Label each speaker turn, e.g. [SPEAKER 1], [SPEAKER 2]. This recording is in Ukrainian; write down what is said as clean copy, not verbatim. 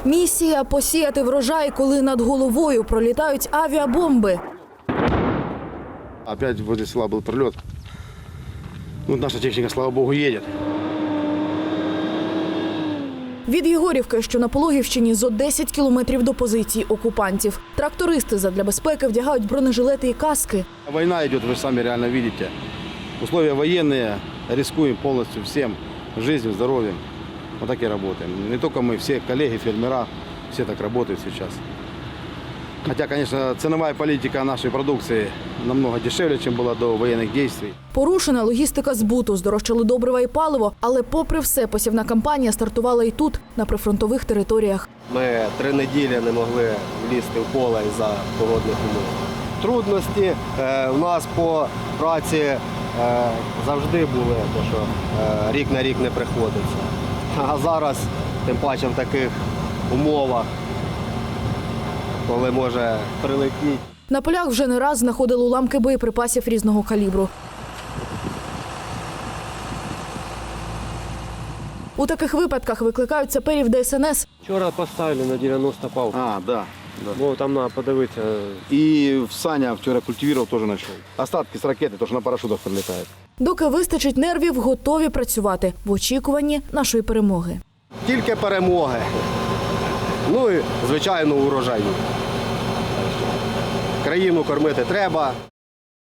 [SPEAKER 1] Місія – посіяти врожай, коли над головою пролітають авіабомби.
[SPEAKER 2] Опять возле села был прилет. Ну, наша техника, слава богу, едет.
[SPEAKER 1] Від Єгорівки, що на Пологівщині, зо 10 кілометрів до позицій окупантів. Трактористи задля безпеки вдягають бронежилети і каски.
[SPEAKER 2] Война идет, вы же сами реально видите. Условия военные, рискуем полностью всем, жизнью, здоровьем. Вот так и работаем. Не только мы, все коллеги, фермера, все так работают сейчас. Хотя, конечно, ценовая политика нашей продукции намного дешевле, чем была до военных действий.
[SPEAKER 1] Порушена логістика збуту, здорожчали добрива і паливо. Але попри все, посівна кампанія стартувала і тут, на прифронтових територіях.
[SPEAKER 3] Ми 3 неділі не могли влізти в поле із-за погодних умов. Трудності у нас по праці завжди були, тому що рік на рік не приходиться. А зараз, тим паче в таких умовах, коли може прилетіти.
[SPEAKER 1] На полях вже не раз знаходили уламки боєприпасів різного калібру. У таких випадках викликають саперів ДСНС.
[SPEAKER 4] Вчора поставили на 90 палку.
[SPEAKER 2] Да.
[SPEAKER 4] Ну, там треба подивитися.
[SPEAKER 2] И в Саня вчера культивировал, тоже нашел. Остатки с ракеты, то, что на парашютах прилетает.
[SPEAKER 1] Доки вистачить нервів, готові працювати в очікуванні нашої перемоги.
[SPEAKER 3] Тільки перемоги. Ну і, звичайно, урожаю. Країну кормити треба.